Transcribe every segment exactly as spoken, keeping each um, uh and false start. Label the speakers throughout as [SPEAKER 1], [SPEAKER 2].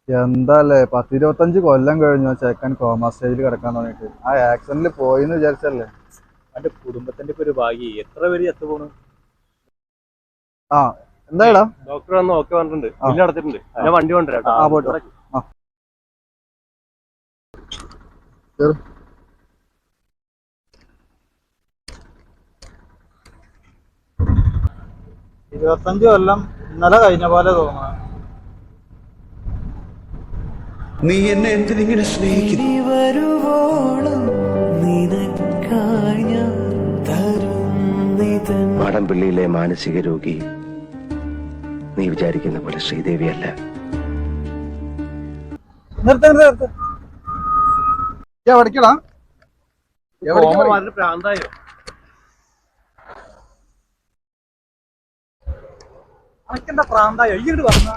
[SPEAKER 1] എന്താല്ലേ പത്തിരുപത്തഞ്ച് കൊല്ലം കഴിഞ്ഞു ചെക്കൻ കോമ സ്റ്റേജിൽ കിടക്കാൻ തുടങ്ങിയിട്ട്. ആ ആക്സിഡന്റിൽ പോയിന്ന് വിചാരിച്ചല്ലേ.
[SPEAKER 2] എന്റെ കുടുംബത്തിന്റെ ഒക്കെ ഒരു ഭാഗ്യം എത്ര പേര് എത്തു പോണു.
[SPEAKER 1] ആ എന്താടാ
[SPEAKER 2] ഡോക്ടർ വന്ന് ഓക്കെ പറഞ്ഞിട്ടുണ്ട്, ബില്ല് അടച്ചിട്ടുണ്ട്. ഞാൻ വണ്ടി കൊണ്ടുവരാം.
[SPEAKER 1] ആ പോട്ടോ. ആ ഇരുപത്തഞ്ച് കൊല്ലം ഇന്നലെ കഴിഞ്ഞ പോലെ തോന്നുന്നു.
[SPEAKER 3] നീ എന്നെ എന്തിനിങ്ങനെ സ്നേഹിക്കുന്നു? മാടമ്പിള്ളിയിലെ മാനസിക രോഗി നീ വിചാരിക്കുന്ന പോലെ ശ്രീദേവിയല്ല.
[SPEAKER 1] പഠിക്കടാ
[SPEAKER 2] പ്രാന്തായോ?
[SPEAKER 1] അനക്കെന്താ പ്രാന്തായോ? ഇങ്ങോട്ട് പറഞ്ഞ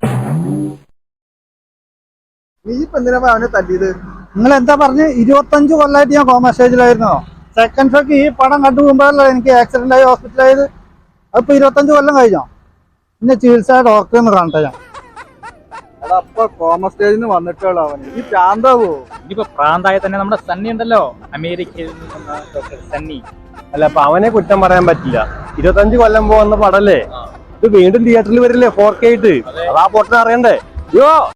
[SPEAKER 1] നീ ഇപ്പൊ എന്തിനാ അവനെ തല്ലിയത്? നിങ്ങൾ എന്താ പറഞ്ഞ്? ഇരുപത്തഞ്ച് കൊല്ലമായിട്ട് ഞാൻ കോമ സ്റ്റേജിലായിരുന്നോ? സെക്കൻഡ് ഷോക്ക് ഈ പടം കണ്ടു പോകുമ്പോഴല്ലേ എനിക്ക് ആക്സിഡന്റ് ആയി ഹോസ്പിറ്റലായത്. അതിപ്പോ ഇരുപത്തഞ്ച് കൊല്ലം കഴിഞ്ഞോ? പിന്നെ ചികിത്സ ഡോക്ടറെ ഒന്ന് കാണട്ടെ ഞാൻ. എടാ അപ്പൊ കോമ സ്റ്റേജിന് വന്നിട്ടുള്ള അവന് ഈ പ്രാന്താവോ?
[SPEAKER 2] ഇനിയിപ്പോ പ്രാന്തായ തന്നെ നമ്മുടെ സണ്ണി ഉണ്ടല്ലോ, അമേരിക്കയിൽ നിന്നുള്ള ഡോക്ടർ സണ്ണി. അല്ല അപ്പൊ അവനെ കുറ്റം പറയാൻ പറ്റില്ല. ഇരുപത്തഞ്ച് കൊല്ലം പോകുന്ന പടല്ലേ ഇത്, വീണ്ടും തിയേറ്ററിൽ വരില്ലേ ഫോർ കെ ആയിട്ട്. അത് ആ പൊട്ടനെ അറിയണ്ടേ? യോ